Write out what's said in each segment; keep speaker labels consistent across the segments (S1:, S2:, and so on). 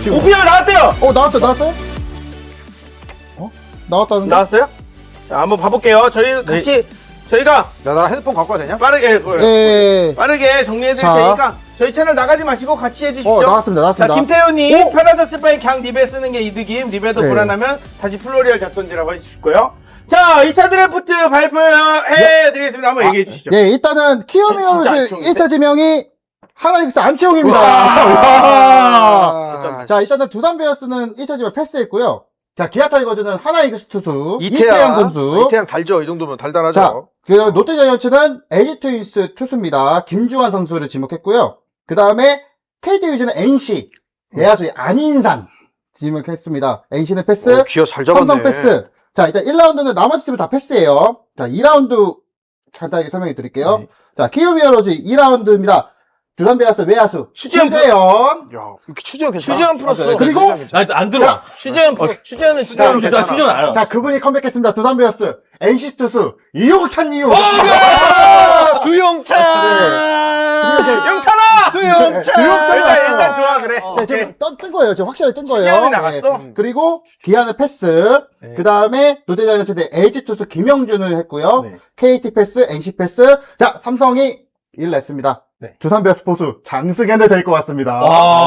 S1: 지금.
S2: 오피셜 나왔대요.
S1: 나왔어요? 나왔다는데?
S2: 나왔어요? 자, 한번 봐볼게요. 저희 같이 저희가
S3: 나 핸드폰 갖고 와도 되냐?
S2: 빠르게 정리해드릴
S1: 자.
S2: 테니까 저희 채널 나가지 마시고 같이 해주시죠.
S1: 나왔습니다.
S2: 자, 김태훈님 편하졌을 바에 그냥 립에 쓰는 게 이득임. 립에도
S1: 네.
S2: 불안하면 다시 플로리얼 잡던지라고 해주시고요. 자, 2차 드래프트 발표해드리겠습니다. 한번 얘기해 주시죠.
S1: 예, 일단은
S2: 진짜
S1: 키오미우즈
S2: 안치홍인데?
S1: 1차 지명이 하나이글스 안치홍입니다.
S3: 아,
S1: 자, 일단은 두산 베어스는 1차 지명 패스했고요. 자, 기아 타이거즈는 하나이글스 투수 이태양
S3: 이태양
S1: 선수.
S3: 이태양 달죠. 이 정도면
S1: 자,
S3: 달달하죠.
S1: 그다음에 롯데 자이언츠는 LG 트윈스 투수입니다. 김주환 선수를 지목했고요. 그 다음에 KT 위즈는 NC 내야수의 안인산 지목했습니다. NC는 패스,
S3: 기어 잘 잡았네.
S1: 삼성 패스. 자, 일단 1라운드는 나머지 팀은 다 패스예요. 자, 2라운드 간단하게 설명해 드릴게요.
S2: 네.
S1: 자, 키오미어로즈 2라운드입니다. 두산 베어스 외야수
S2: 추재현
S1: 추재현.
S3: 야, 이렇게 추재현 괜찮아.
S2: 추재현 플러스.
S1: 그리고
S4: 안 들어와.
S2: 추재현은 진짜
S4: 추재현 알아.
S1: 자, 그분이 컴백했습니다. 두산 베어스 NC 투수 이용찬님.
S3: 두용찬.
S1: 그리고 이제
S2: 영찬아!
S3: 두용찬.
S2: 일단 좋아, 그래.
S1: 네, 지금 뜬 거예요. 지금 확실히 뜬 거예요.
S2: 추재현이 나갔어?
S1: 그리고 기아는 패스. 그 다음에 롯데 자이언츠 대 LG 투수 김영준을 했고요.
S2: 네.
S1: KT 패스, NC 패스. 자, 삼성이 1 냈습니다.
S2: 네.
S1: 두산 베어스 포수 장승현을 될 것 같습니다.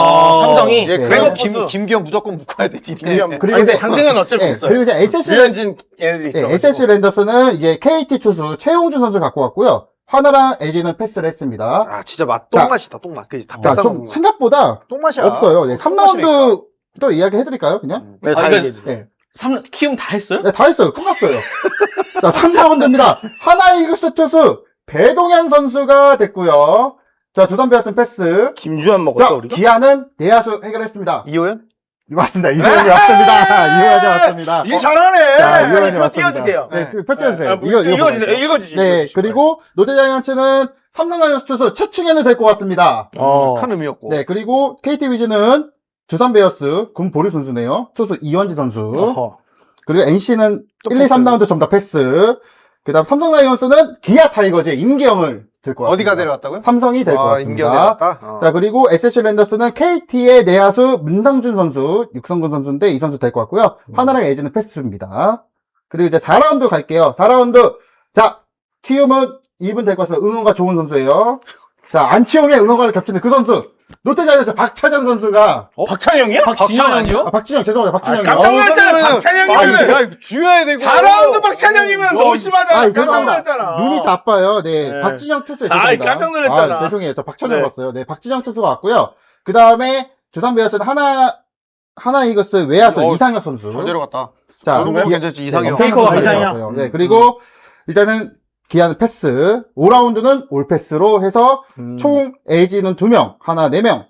S2: 삼성이
S3: 예,
S1: 네.
S3: 그래도
S2: 포수.
S3: 김기영 무조건 묶어야 돼.
S1: 그리고
S2: 그리고
S1: 이제-
S2: 장승은 어쩔 수
S1: 네,
S2: 없어요.
S1: 그리고 이제 SSG
S2: 류현진 얘네들이 있어.
S1: SSG 랜더스는 이제 KT 투수 최용준 선수 갖고 왔고요. 하나랑 LG는 패스를 했습니다.
S3: 아, 진짜
S1: 자,
S3: 똥맛이다, 똥맛. 그게 다
S1: 자,
S3: 비싼
S1: 좀
S3: 먹는 거.
S1: 생각보다
S3: 똥맛이야.
S1: 없어요. 네, 3라운드 또 이야기 해드릴까요, 그냥?
S2: 네, 다
S4: 그러니까-
S2: 얘기해 주세요.
S1: 네.
S4: 키움 다 했어요?
S1: 네, 다 했어요. 끝났어요. 자, 3라운드입니다. 하나이글스 투수 배동현 선수가 됐고요. 자, 두산 베어스는 패스.
S2: 김주환 먹었어,
S1: 자,
S2: 우리가?
S1: 기아는 내야수 해결했습니다.
S3: 이호연?
S1: 맞습니다. 이호연이 왔습니다. 이호연이 왔습니다.
S2: 일 잘하네.
S1: 자,
S2: 아니,
S1: 이호연이
S2: 표
S1: 왔습니다.
S2: 띄워주세요.
S1: 네, 표 띄워주세요.
S2: 아,
S1: 읽어주세요.
S2: 읽어주시죠.
S1: 네, 그리고 롯데 자이언츠는 삼성 라이온즈 투수 최충현을 데리고 왔습니다.
S3: 큰 의미였고.
S1: 네, 그리고 KT 위즈는 두산 베어스 군 보리 선수네요. 투수 이원지 선수.
S2: 어허.
S1: 그리고 NC는
S2: 또
S1: 1, 2, 3라운드 전부 다 패스. 그 다음 삼성 라이온스는 기아 타이거즈의 임기영을 데리고 왔습니다.
S3: 어디가 데려왔다고요?
S1: 삼성이 데리고
S3: 임기영
S1: 왔습니다.
S3: 데려왔다?
S1: 자, 그리고 SSG 랜더스는 KT의 내야수 문상준 선수, 육성근 선수인데 이 선수 데리고 왔고요. 하나랑 LG는 패스입니다. 그리고 이제 4라운드 갈게요. 4라운드. 자, 키움은 이분 데리고 왔습니다. 응원가 좋은 선수예요. 자, 안치홍의 응원가를 겹치는 그 선수. 롯데 자이언츠 박찬영 선수가.
S2: 박찬영이요?
S3: 박찬영이요?
S1: 박진영, 죄송합니다. 박진영이요.
S2: 깜짝 놀랐잖아.
S3: 그러면은-
S2: 박찬영이면은.
S3: 야, 이거 주여야 되고.
S2: 4라운드 박찬영이면 너무 심하잖아. 깜짝
S1: 죄송합니다.
S2: 놀랐잖아.
S1: 눈이 자빠요. 네.
S2: 네.
S1: 박진영 투수에
S2: 아이,
S1: 죄송합니다.
S2: 깜짝 놀랐잖아.
S1: 죄송해요. 저 박찬영
S2: 네.
S1: 봤어요. 네. 박진영 투수가 왔고요. 그 다음에 두산 베어스는 하나 이글스 외야수 이상혁 선수.
S3: 잘 데려갔다.
S1: 자,
S3: 그런 괜찮지, 이상형.
S4: 페이커가
S1: 이상형. 네. 그리고 일단은 기아는 패스. 5라운드는 올 패스로 해서 총 LG는 2명, 하나 4명.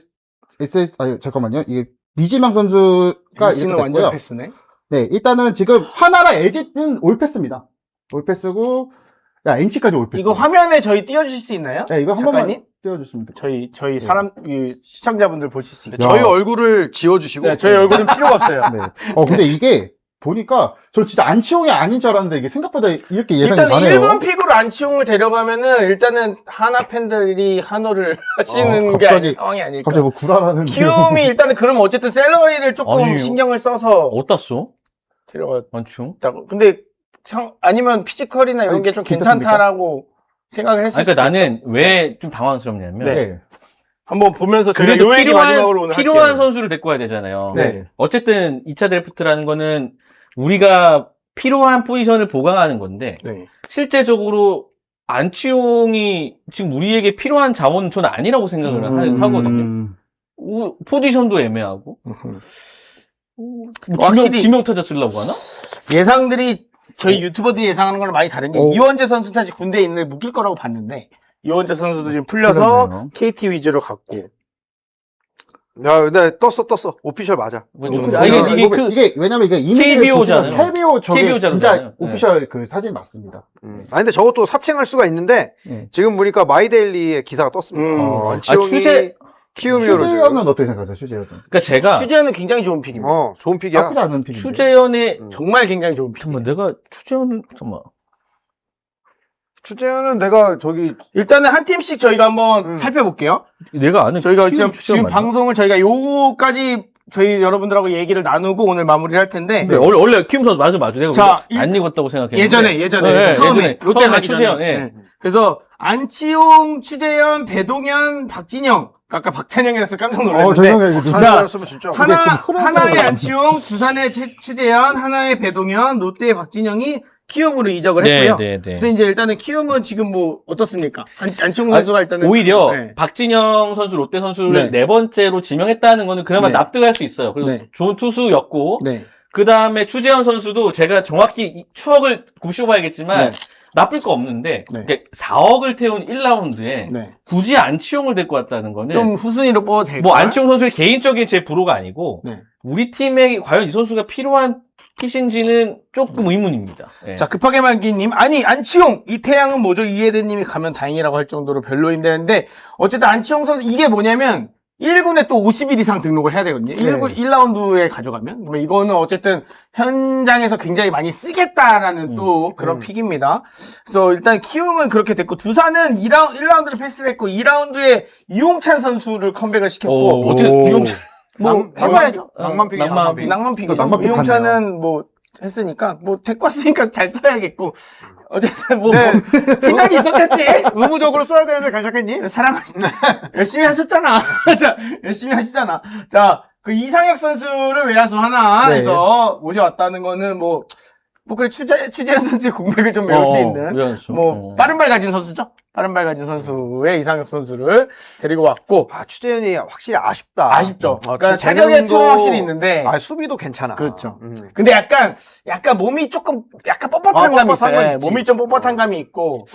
S1: 아니, 잠깐만요. 이게 미지명 선수가 이렇게
S2: NC는 완전
S1: 됐고요.
S2: 패스네.
S1: 네, 일단은 지금 하나랑 LG는 올 패스입니다. 올 패스고, 야, NC까지 올 패스.
S2: 이거 화면에 저희 띄워주실 수 있나요?
S1: 네, 이거 한
S2: 작가님?
S1: 번만 띄워주시면 돼요.
S2: 저희 이 시청자분들 보실 수 있게.
S3: 저희 얼굴을 지워주시고.
S2: 네, 저희 얼굴은 필요가 없어요.
S1: 네. 근데 이게 보니까 저 진짜 안치홍이 아닌 줄 알았는데 이게 생각보다 이렇게 예상이
S2: 일단
S1: 가네요.
S2: 1번 픽으로 안치홍을 데려가면은 일단은 하나 팬들이 한호를 하시는 게
S1: 갑자기-
S2: 상황이 아닐까.
S1: 갑자기 뭐 구라라는.
S2: 키움이 일단은 그러면 어쨌든 샐러리를 조금
S4: 아니,
S2: 신경을 써서
S4: 어디다 써?
S2: 데려갔다고.
S4: 안치홍?
S2: 근데 아니면 피지컬이나 이런
S1: 아니,
S2: 게 좀
S1: 괜찮습니까?
S2: 괜찮다라고 생각을 했을
S4: 그러니까
S2: 수도
S4: 나는 왜 좀 당황스럽냐면
S1: 네.
S2: 한번 보면서 저희가
S4: 그래도
S2: 요 얘기 마지막으로 오늘
S4: 필요한
S2: 할게요.
S4: 선수를 데리고 와야 되잖아요.
S1: 네.
S4: 어쨌든 2차 드래프트라는 거는 우리가 필요한 포지션을 보강하는 건데
S2: 네.
S4: 실제적으로 안치홍이 지금 우리에게 필요한 자원은 저는 아니라고 생각을 하거든요. 포지션도 애매하고 뭐
S2: 확실히-
S4: 지명 타자 쓰려고 하나?
S2: 예상들이 저희 유튜버들이 예상하는 거랑 많이 다른 게 이원재 선수 다시 군대에 있는 묶일 거라고 봤는데 이원재 선수도 지금 풀려서
S1: 그러네요.
S2: KT 위주로 갔고
S3: 야, 네, 떴어. 오피셜 맞아.
S4: 이게
S1: 왜냐면 이게 이미지를
S4: KBO
S1: 보시면
S4: 잖아요.
S1: KBO 저게
S4: KBO
S1: 진짜
S4: 잖아요.
S1: 오피셜 그 사진 맞습니다.
S3: 근데 저것도 사칭할 수가 있는데,
S1: 네.
S3: 지금 보니까 마이데일리에 기사가 떴습니다. 안치홍이
S4: 추재-
S3: 키움이어로.
S1: 슈제현은 어떻게 생각하세요? 슈제현은.
S4: 그러니까 제가
S2: 추재현은 굉장히 좋은 픽입니다.
S3: 좋은 픽이야.
S1: 나쁘지 않은 픽인데.
S4: 추재현의
S2: 정말 굉장히 좋은 픽.
S4: 잠깐만 내가 추재현을 잠깐만
S3: 추재현은 내가
S2: 일단은 한 팀씩 저희가 한번 살펴볼게요.
S4: 내가 아는
S2: 저희가
S4: 키움
S2: 지금
S4: 추재현 맞나?
S2: 방송을 저희가 요거까지 저희 여러분들하고 얘기를 나누고 오늘 마무리를 할 텐데.
S4: 네, 원래 키움 선수 맞아. 내가
S2: 자,
S4: 안 익었다고 생각했는데.
S2: 예전에
S4: 네,
S2: 처음에 롯데
S4: 처음에
S2: 가기
S4: 추재현,
S2: 전에.
S4: 예.
S2: 네. 그래서 안치홍, 추재현, 배동현, 박진영. 아까 박찬영이라서 깜짝 놀랐는데.
S1: 죄송해요. 이거 좀-
S2: 자,
S3: 였으면 진짜
S2: 하나의 안치홍, 두산의 추재현, 하나의 배동현, 롯데의 박진영이 키움으로 이적을
S4: 네,
S2: 했고요.
S4: 네, 네.
S2: 그래서 이제 일단은 키움은 지금 뭐 어떻습니까? 안치홍 선수가 일단은
S4: 오히려
S2: 네.
S4: 박진영 선수, 롯데 선수를
S2: 네.
S4: 네 번째로 지명했다는 거는 그나마
S2: 네.
S4: 납득할 수 있어요. 그리고
S2: 네.
S4: 좋은 투수였고,
S2: 네.
S4: 그 다음에 추재현 선수도 제가 정확히 이 추억을 곱씹어봐야겠지만,
S2: 네.
S4: 나쁠 거 없는데,
S2: 네.
S4: 이게 4억을 태운 1라운드에
S2: 네.
S4: 굳이 안치홍을 데리고 왔다는 거는,
S2: 좀 후순위로 뽑아도 될까요?
S4: 뭐 안치홍 선수의 개인적인 제 불호가 아니고,
S2: 네.
S4: 우리 팀에 과연 이 선수가 필요한 핏인지는 조금 의문입니다. 예.
S2: 자, 급하게 말기님. 아니, 안치홍! 이태양은 뭐죠? 이해대님이 가면 다행이라고 할 정도로 별로인데, 어쨌든 안치홍 선수, 이게 뭐냐면, 1군에 또 50일 이상 등록을 해야 되거든요. 1군 1라운드에 가져가면. 뭐 이거는 어쨌든 현장에서 굉장히 많이 쓰겠다라는 또 그런 픽입니다. 그래서 일단 키움은 그렇게 됐고, 두산은 1라운드를 패스를 했고, 2라운드에 이용찬 선수를 컴백을 시켰고,
S4: 어떻게,
S1: 오.
S4: 이용찬,
S2: 뭐 해봐야죠.
S3: 낭만픽이
S4: 낭만픽.
S2: 낭만픽이죠.
S1: 낭만픽
S2: 이용찬은 뭐 했으니까 뭐 데리고 왔으니까 잘 써야겠고 어쨌든 뭐
S3: 네.
S2: 생각이 있었겠지.
S3: 의무적으로 써야 되는데 괜찮겠니?
S2: 사랑하시나 열심히 하셨잖아. 자, 열심히 하시잖아. 자, 그 이상혁 선수를 외야수 하나
S1: 네.
S2: 해서 모셔왔다는 거는 뭐 그래 추재현 선수의 공백을 좀 메울 수 있는
S4: 외야수.
S2: 뭐 빠른 발 가진 선수죠. 빠른 발 가진 선수의 이상혁 선수를 데리고 왔고
S3: 아, 추재현이 확실히 아쉽다.
S2: 아쉽죠. 그러니까
S3: 재능도-
S2: 자격의 투는 확실히 있는데
S3: 아, 수비도 괜찮아.
S2: 그렇죠. 근데 약간 몸이 조금 약간 뻣뻣한 감이
S3: 뻣뻣한
S2: 있어요.
S3: 건 있지.
S2: 몸이 좀 뻣뻣한 감이 있고.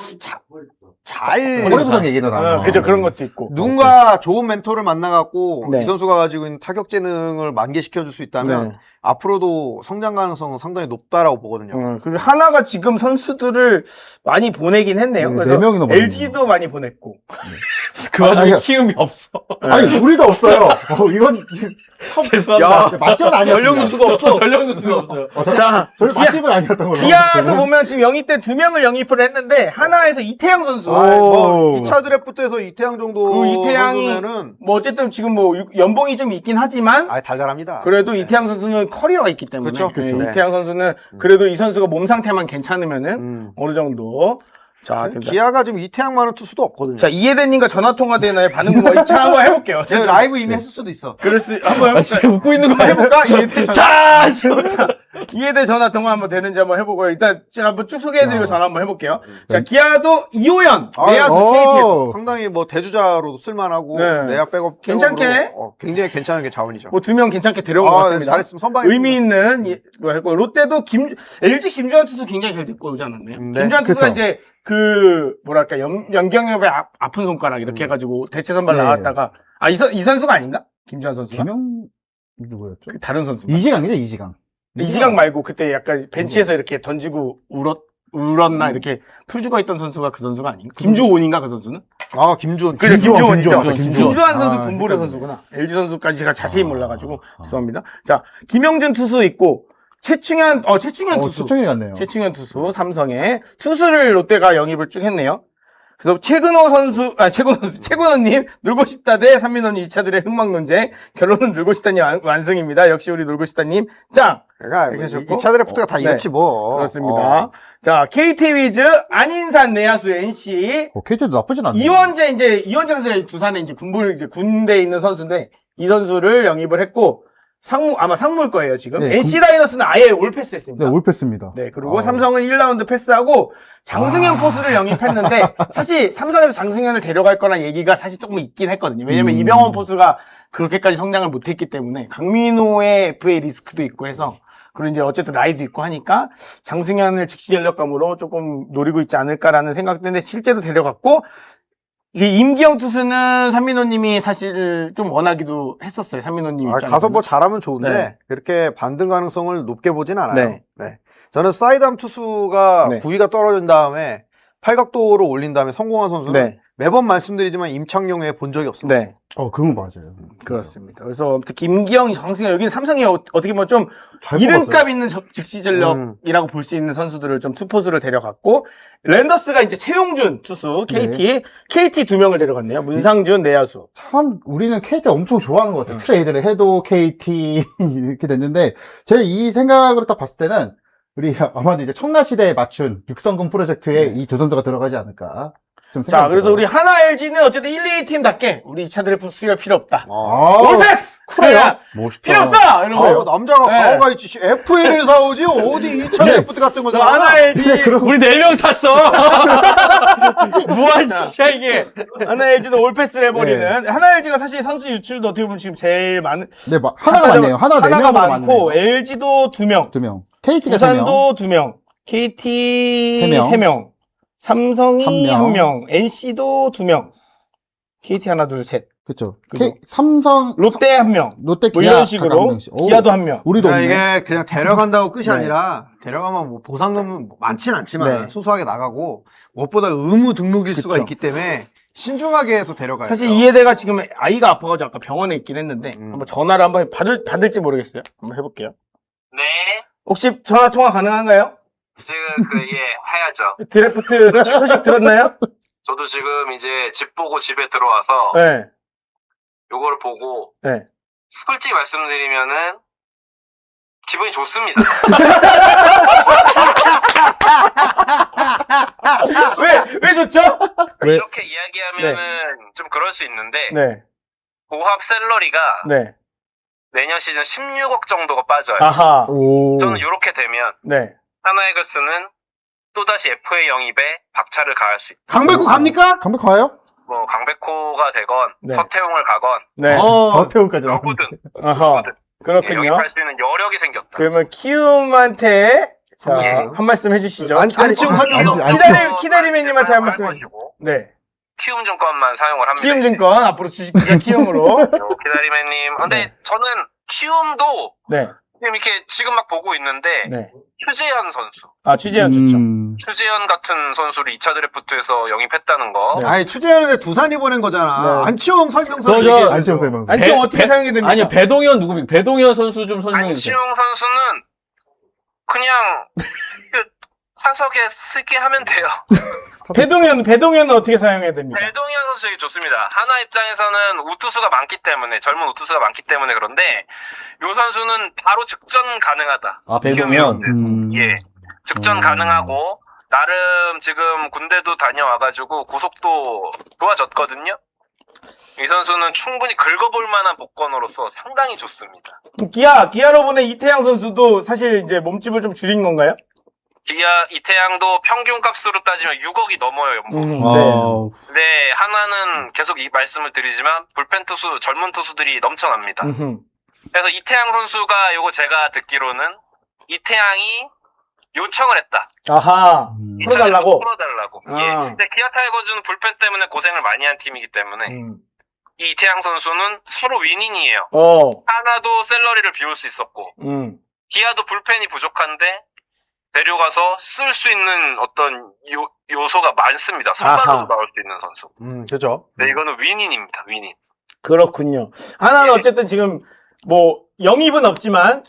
S3: 잘.
S1: 허리 부상 얘기도 나와요.
S2: 그죠. 그런 것도 있고.
S3: 누군가 좋은 멘토를 만나갖고
S2: 네.
S3: 이 선수가 가지고 있는 타격 재능을 만개시켜줄 수 있다면
S2: 네.
S3: 앞으로도 성장 가능성은 상당히 높다라고 보거든요.
S2: 그리고 하나가 지금 선수들을 많이 보내긴 했네요.
S1: 네,
S2: 그래서
S1: 네 명이나 보냈네요.
S2: LG도 많이 보냈고.
S4: 그 와중에
S1: 아니,
S4: 키움이 없어.
S1: 아니, 우리도 없어요. 이건 지금
S4: 죄송합니다.
S1: 맛집은 아니었어요.
S3: 전력 누수가 없어.
S4: 전력 누수가 없어요.
S2: 자,
S1: 저희 맛집은 아니었던 걸로.
S2: 기아도 보면 지금 영입 때 2명을 영입을 했는데 하나에서 이태양 선수.
S3: 아, 뭐 2차 드래프트에서 이태양 정도
S2: 그 이태양이
S3: 정도면은
S2: 뭐 어쨌든 지금 뭐 연봉이 좀 있긴 하지만
S3: 달달합니다.
S2: 그래도 이태양 선수는 커리어가 있기 때문에
S3: 그쵸, 그쵸.
S2: 네,
S3: 네.
S2: 이태양 선수는 그래도 이 선수가 몸 상태만 괜찮으면은
S3: 음.
S2: 어느 정도 자,
S3: 기아가 지금 이태양만한 투수도 없거든요.
S2: 자 이해대님과 전화 통화 되나요? 반응 뭐 자 한번 해볼게요.
S3: 제가 라이브 이미 했을 수도 있어.
S2: 그럴 수 한번
S4: 아,
S2: 해볼까요?
S4: 진짜 웃고 있는 거 아니야?
S2: 해볼까? 이해대 전화.
S4: 자,
S2: 이해대 전화 통화 한번 되는지 한번 해보고요. 일단 제가 한번 쭉 소개해드리고 전화 한번 해볼게요. 자 기아도 이호연 내야수 KT에서
S3: 상당히 뭐 대주자로도 쓸만하고
S2: 네.
S3: 내야 백업
S2: 괜찮게?
S3: 백업으로, 굉장히 괜찮은 게 자원이죠.
S2: 뭐 2명 괜찮게 데려온 것 같습니다.
S3: 잘했으면 선방했습니다.
S2: 의미 있는 뭐 했고 롯데도 LG 김주환 투수 굉장히 잘 데리고 오지 않았나요?
S3: 네,
S2: 김주환 투수가
S1: 그쵸.
S2: 이제 뭐랄까 연경협의 아픈 손가락 이렇게 해가지고 대체 선발
S1: 네.
S2: 나왔다가 이 선수가 아닌가? 김주환 선수가
S1: 김영 누구였죠?
S2: 그 다른 선수.
S1: 이지강이죠, 이지강.
S2: 이지강 말고 그때 약간 벤치에서 이렇게 던지고 울었나 이렇게 풀 죽어 있던 선수가 그 선수가 아닌가? 김주온인가 그 선수는?
S3: 아, 김주원.
S2: 그래 김주원이죠.
S1: 김주원.
S2: 김주환 선수
S1: 아,
S2: 군보레
S1: 헷갈리네.
S2: 선수구나. LG 선수까지 제가 자세히 몰라가지고 죄송합니다. 자 김영준 투수 있고 최충현 투수.
S1: 추청이 같네요.
S2: 최충현 투수 삼성에 투수를 롯데가 영입을 쭉 했네요. 그래서 최근호님 놀고 싶다 대 삼민호님 2차들의 흥망 논쟁 결론은 놀고 싶다님 완승입니다. 역시 우리 놀고 싶다님 짱.
S3: 그러니까
S2: 이렇게 하셨고.
S3: 2차 드래프트가 다
S2: 네.
S3: 이렇지 뭐.
S2: 그렇습니다. 자 KT 위즈 안인산 내야수 NC
S1: KT도 나쁘진 않네요.
S2: 이원재 선수 두산에 이제 군대에 있는 선수인데 이 선수를 영입을 했고 아마 상무일 거예요 지금.
S1: 네,
S2: NC 다이너스는 아예 올 패스했습니다.
S1: 네, 올패스입니다.
S2: 네, 그리고 삼성은 1라운드 패스하고 장승현 포수를 영입했는데 사실 삼성에서 장승현을 데려갈 거란 얘기가 사실 조금 있긴 했거든요. 왜냐면 이병헌 포수가 그렇게까지 성장을 못했기 때문에 강민호의 FA 리스크도 있고 해서 그리고 이제 어쨌든 나이도 있고 하니까 장승현을 즉시 전력감으로 조금 노리고 있지 않을까라는 생각도 했는데 실제로 데려갔고 이게 임기영 투수는 삼민호님이 사실 좀 원하기도 했었어요. 삼민호님 입장에서.
S3: 가서 뭐 잘하면 좋은데
S2: 네.
S3: 그렇게 반등 가능성을 높게 보진 않아요.
S2: 네.
S3: 네. 저는 사이담 투수가
S2: 네.
S3: 구위가 떨어진 다음에 팔각도로 올린 다음에 성공한 선수는
S2: 네.
S3: 매번 말씀드리지만 임창용 외에 본 적이 없습니다.
S2: 네.
S1: 그건 맞아요.
S2: 그렇습니다. 그래서 아무튼 김기영, 장승현 여기는 삼성이 어떻게 보면 좀
S1: 잘
S2: 이름값
S1: 뽑았어요.
S2: 있는 즉시 전력이라고 볼 수 있는 선수들을 좀 투포수를 데려갔고 랜더스가 이제 최용준 투수 KT 두 명을 데려갔네요. 문상준 내야수.
S1: 참 우리는 KT 엄청 좋아하는 것 같아요. 트레이드를 해도 KT 이렇게 됐는데 제 이 생각으로 딱 봤을 때는 우리 아마도 이제 청라시대에 맞춘 육성군 프로젝트에 이 두 선수가 들어가지 않을까 좀 생각이
S2: 자, 그래서
S1: 들어요.
S2: 우리 하나 LG는 어쨌든 1, 2 팀답게 우리 2차 드래프트 수혈 필요 없다.
S1: 아,
S2: 올패스!
S1: 그래요?
S4: 멋있다.
S2: 필요 없어! 이러고.
S3: 남자가
S2: 네.
S3: 과거가 있지. FA를 사오지 어디 2차
S1: 네.
S3: 드래프트 같은 거
S2: 그래서
S3: 사나?
S2: 하나 LG,
S4: 우리 4명 샀어. 뭐한 짓이야 이게.
S2: 하나 LG는 올패스를 해버리는. 하나 LG가 사실 선수 유출도 어떻게 보면 지금 제일 많은.
S1: 네, 하나가 많네요. 하나가
S2: 하나가
S1: 4명으로
S2: 많고,
S1: 많네요.
S2: LG도 2명.
S1: 2명. KT가 3명.
S2: 부산도 2명. KT
S1: 세 명.
S2: 3명. 삼성이
S1: 한
S2: 1명. NC도 2명. KT 하나, 둘, 셋.
S1: 그쵸.
S2: 그죠.
S1: 삼성,
S2: 롯데 1명.
S1: 롯데,
S2: 뭐
S1: 기아
S2: 이런
S1: 각
S2: 식으로.
S1: 한 명씩. 오,
S2: 기아도 1명.
S1: 우리도
S3: 그러니까
S1: 없네.
S3: 이게 그냥 데려간다고 끝이
S2: 네.
S3: 아니라 데려가면 뭐 보상금은 많진 않지만
S2: 네.
S3: 소소하게 나가고 무엇보다 의무 등록일 수가
S2: 그쵸.
S3: 있기 때문에 신중하게 해서 데려가요.
S2: 사실 이해대가 지금 아이가 아파가지고 아까 병원에 있긴 했는데
S3: 음.
S2: 한번 전화를 한번 받을지 모르겠어요. 한번 해볼게요.
S5: 네,
S2: 혹시 전화 통화 가능한가요?
S5: 지금 해야죠.
S2: 드래프트 소식 들었나요?
S5: 저도 지금 이제 집 보고 집에 들어와서
S2: 네.
S5: 요거를 보고
S2: 네.
S5: 솔직히 말씀드리면은 기분이 좋습니다.
S2: 왜 좋죠?
S4: 왜?
S5: 이렇게 이야기하면은 좀 그럴 수 있는데
S2: 네.
S5: 고합 샐러리가
S2: 네.
S5: 내년 시즌 16억 정도가 빠져요.
S2: 아하.
S1: 오.
S5: 저는 이렇게 되면
S2: 네.
S5: 하나이글스는 또다시 FA 영입에 박차를 가할 수 있고
S3: 강백호 갑니까?
S1: 강백 가요?
S5: 뭐 강백호가 되건
S2: 네.
S5: 서태웅을 가건
S2: 네.
S1: 서태웅까지 나오네.
S5: 누구든
S2: 아하.
S5: 예,
S2: 그렇군요.
S5: 영입할 수 있는 여력이 생겼다.
S2: 그러면 키움한테 자,
S5: 예.
S2: 한 말씀 해주시죠.
S3: 안치홍 하면서
S2: 키다리맨님한테 한 말씀 해주시죠.
S5: 해주시고
S2: 네.
S5: 키움증권만 사용을 합니다.
S2: 키움증권 앞으로 주식기가 키움으로.
S5: 기다리맨님. 근데
S2: 네.
S5: 저는 키움도
S2: 네.
S5: 지금 이렇게 지금 막 보고 있는데
S2: 네.
S5: 추재현 선수,
S2: 아, 취재현 좋죠.
S5: 추재현 같은 선수를 2차 드래프트에서 영입했다는 거.
S2: 네.
S3: 아니 추재현한테 두산이 보낸 거잖아.
S2: 네.
S3: 안치홍 설명서
S4: 저-
S3: 얘기해.
S1: 안치홍 설명서.
S2: 안치홍 어떻게 사용이 됩니까?
S4: 아니요, 배동현 누굽니까? 배동현 선수 좀 설명해 주세요.
S5: 안치홍 선수는 그냥 그 사석에 쓰게 하면 돼요.
S2: 배동현은 어떻게 사용해야 됩니까?
S5: 배동현 선수 되게 좋습니다. 하나 입장에서는 우투수가 많기 때문에, 젊은 우투수가 많기 때문에 그런데 요 선수는 바로 직전 가능하다.
S4: 아, 배동현.
S5: 예. 직전 가능하고 나름 지금 군대도 다녀와가지고 구속도 좋아졌거든요. 이 선수는 충분히 긁어볼 만한 복권으로서 상당히 좋습니다.
S2: 기아로 보낸 이태양 선수도 사실 이제 몸집을 좀 줄인 건가요?
S5: 기아 이태양도 평균 값으로 따지면 6억이 넘어요, 연봉.
S2: 네.
S5: 네, 하나는 계속 이 말씀을 드리지만 불펜 투수, 젊은 투수들이 넘쳐납니다. 그래서 이태양 선수가 요거 제가 듣기로는 이태양이 요청을 했다.
S2: 아하. 풀어달라고?
S5: 풀어달라고.
S2: 아.
S5: 예. 근데 기아 타이거즈는 불펜 때문에 고생을 많이 한 팀이기 때문에 이 이태양 선수는 서로 윈윈이에요. 하나도 샐러리를 비울 수 있었고 기아도 불펜이 부족한데 데려가서 쓸 수 있는 어떤 요소가 많습니다. 선발로 나올 수 있는 선수.
S3: 그죠.
S5: 네, 이거는 윈윈입니다. 윈윈.
S2: 그렇군요. 하나는
S5: 예.
S2: 어쨌든 지금 뭐 영입은 없지만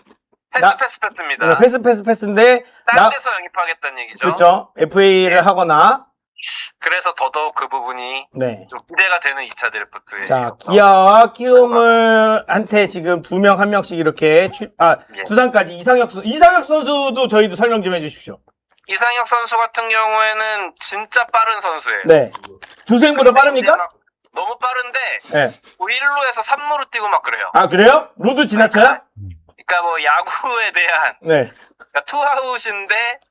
S5: 패스입니다.
S2: 패스인데
S5: 딴 데서 영입하겠다는 얘기죠.
S2: 그렇죠. FA를 하거나
S5: 그래서 더더욱 그 부분이
S2: 네.
S5: 좀 기대가 되는 2차 드래프트에.
S2: 자, 기아와 키움을 한테 지금 2명, 1명씩 이렇게
S5: 예.
S2: 두산까지 이상혁 선수도 저희도 설명 좀 해주십시오.
S5: 이상혁 선수 같은 경우에는 진짜 빠른 선수예요.
S2: 네. 주수행보다 빠릅니까?
S5: 막 너무 빠른데
S2: 네.
S5: 1루에서 3루로 뛰고 막 그래요.
S2: 아, 그래요? 로드 지나쳐요?
S5: 그러니까 뭐 야구에 대한
S2: 네.
S5: 그러니까 투아웃인데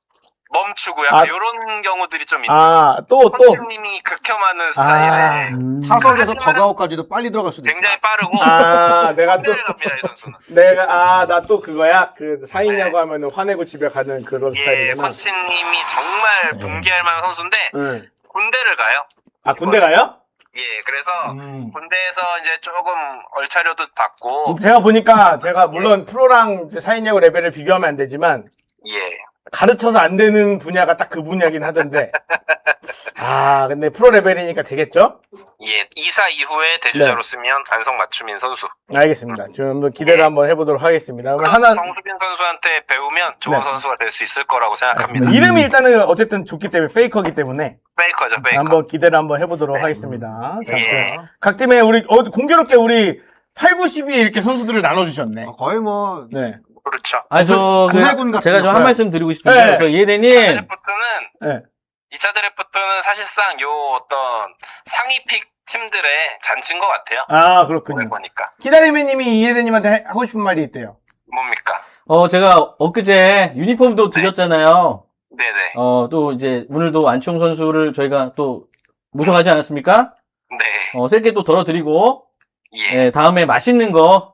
S5: 멈추고 약간 이런 경우들이 좀 있는.
S2: 또.
S5: 코치님이 극혐하는 스타일에
S3: 타석에서 더가웃까지도 빨리 들어갈 수도 있어.
S5: 굉장히 빠르고
S2: 내가 또
S5: 를 갑니다 이 선수는.
S2: 나 또 그거야. 그 사인냐고 하면은 화내고 집에 가는 그런
S5: 예,
S2: 스타일이구나.
S5: 코치님이 정말 분개할 만한 선수인데
S2: 응.
S5: 군대를 가요.
S2: 아, 군대 가요?
S5: 예, 그래서 군대에서 이제 조금 얼차려도 받고
S2: 제가 보니까 제가 물론 프로랑 이제 사인야구 레벨을 비교하면 안 되지만
S5: 예.
S2: 가르쳐서 안 되는 분야가 딱 그 분야긴 하던데. 근데 프로 레벨이니까 되겠죠?
S5: 예, 2사 이후에 대주자로 쓰면 안성맞춤인 선수.
S2: 알겠습니다. 좀 한번 기대를 한번 해보도록 하겠습니다. 그럼 하나
S5: 정수빈 선수한테 배우면 좋은 선수가 될 수 있을 거라고 생각합니다.
S2: 이름이 일단은 어쨌든 좋기 때문에 페이커기 때문에
S5: 페이커죠, 페이커.
S2: 한번 기대를 한번 해보도록 하겠습니다. 자,
S5: 예.
S2: 각 팀에 우리 공교롭게 우리 8, 9, 12에 이렇게 선수들을 나눠주셨네.
S3: 거의 뭐
S2: 네.
S5: 그렇죠.
S3: 구세군 같은
S4: 제가 좀 한
S3: 거야.
S4: 말씀 드리고 싶은데,
S2: 네.
S4: 저
S5: 2차
S4: 이해대님,
S5: 드래프트는
S2: 네.
S5: 2차 드래프트는 사실상 요 어떤 상위 픽 팀들의 잔치인 것 같아요.
S2: 그렇군요.
S5: 보니까.
S2: 키다리메님이 이해대님한테 하고 싶은 말이 있대요.
S5: 뭡니까?
S4: 제가 엊그제 유니폼도 드렸잖아요.
S5: 네네.
S4: 또 이제 오늘도 안치홍 선수를 저희가 또 모셔가지 않았습니까?
S5: 네.
S4: 셀게 또 덜어드리고,
S5: 예.
S4: 다음에 맛있는 거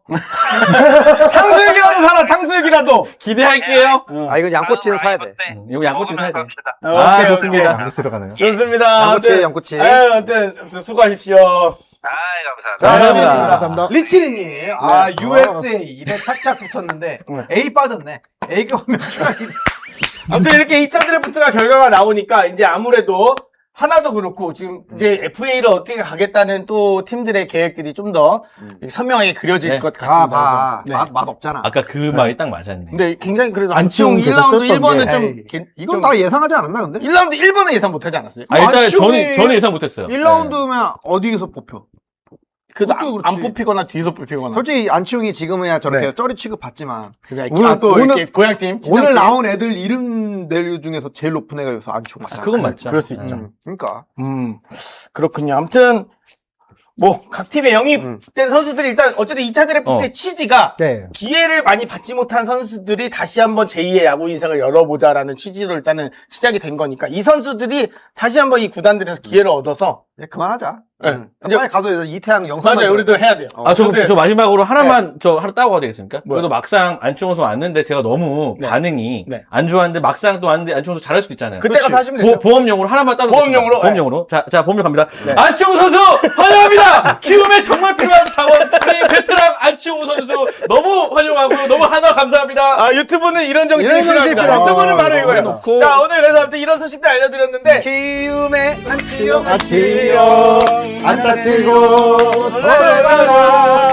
S2: 탕수육이라도 사라, 탕수육이라도!
S4: 기대할게요.
S3: 이건 양꼬치는 사야 돼.
S4: 이거 양꼬치 사야 돼.
S5: 합시다.
S2: 오케이,
S4: 좋습니다.
S2: 오케이.
S1: 양꼬치로 가나요?
S2: 좋습니다.
S3: 양꼬치.
S2: 아무튼 수고하십시오.
S5: 감사합니다.
S2: 감사합니다.
S1: 감사합니다.
S3: 리치리님, USA 입에 착착 붙었는데 A 빠졌네. A가 오면 추가이.
S2: 아무튼 이렇게 2차 드래프트가 결과가 나오니까 이제 아무래도 하나도 그렇고 지금 이제 FA를 어떻게 가겠다는 또 팀들의 계획들이 좀 더 선명하게 그려질
S4: 네.
S2: 것 같습니다. 그래서. 네.
S3: 맛 없잖아.
S4: 아까 그 말이 딱 맞았네.
S2: 근데 굉장히 그래도
S1: 안치홍
S2: 안치홍
S1: 계속
S2: 1라운드
S1: 떴던데.
S2: 1번은 좀
S3: 이건 다 예상하지 않았나 근데?
S2: 1라운드 1번은 예상 못하지 않았어요?
S4: 일단
S3: 안치홍이
S4: 저는 예상 못했어요.
S3: 1라운드면 어디에서 뽑혀?
S2: 그래도
S3: 그것도
S2: 안
S3: 그렇지.
S2: 뽑히거나 뒤에서 뽑히거나.
S3: 솔직히 안치홍이 지금은 저렇게
S2: 네.
S3: 쩌리 취급 받지만
S2: 오늘
S3: 오늘-
S2: 또
S3: 오늘-
S2: 이렇게 고향팀
S3: 오늘 나온 애들 이름 낼 중에서 제일 높은 애가 여기서 안치홍 맞아.
S4: 그건 맞죠.
S2: 그럴 수 있죠.
S3: 그러니까
S2: 그렇군요. 아무튼 뭐 각 팀에 영입된 선수들이 일단 어쨌든 2차 드래프트의 취지가
S1: 네.
S2: 기회를 많이 받지 못한 선수들이 다시 한번 제2의 야구 인생을 열어보자라는 취지로 일단은 시작이 된 거니까 이 선수들이 다시 한번 이 구단들에서 기회를 얻어서
S3: 그만하자.
S2: 네.
S3: 빨리 가서 이태양 영상
S2: 맞아요. 우리도 해야 돼요.
S4: 저 마지막으로 하나만 저 하나 따고 가야 되겠습니까?
S2: 뭐요?
S4: 그래도 막상 안치홍 선수 왔는데 제가 너무
S2: 네.
S4: 반응이
S2: 네.
S4: 안 좋았는데 막상 또 왔는데 안치홍 선수 잘할 수도 있잖아요.
S2: 그때 가서 하시면 되죠.
S4: 보험용으로 하나만 따도
S2: 보험용으로?
S4: 보험용으로. 자, 보험료 갑니다.
S2: 네.
S4: 안치홍 선수 환영합니다. 키움에 정말 필요한 자원 우리 베테랑 안치홍 선수 너무 환영하고 너무 하나 감사합니다.
S2: 유튜브는 이런 정신이
S3: 이런 정신이
S2: 필요합니다.
S3: 필요하다.
S2: 유튜브는 바로 이거예요.
S4: 놓고.
S2: 자, 오늘 그래서 아무튼 이런 소식들 알려드렸는데
S3: 키움의 안치홍
S1: 안치홍 안 다치고 돌아가라.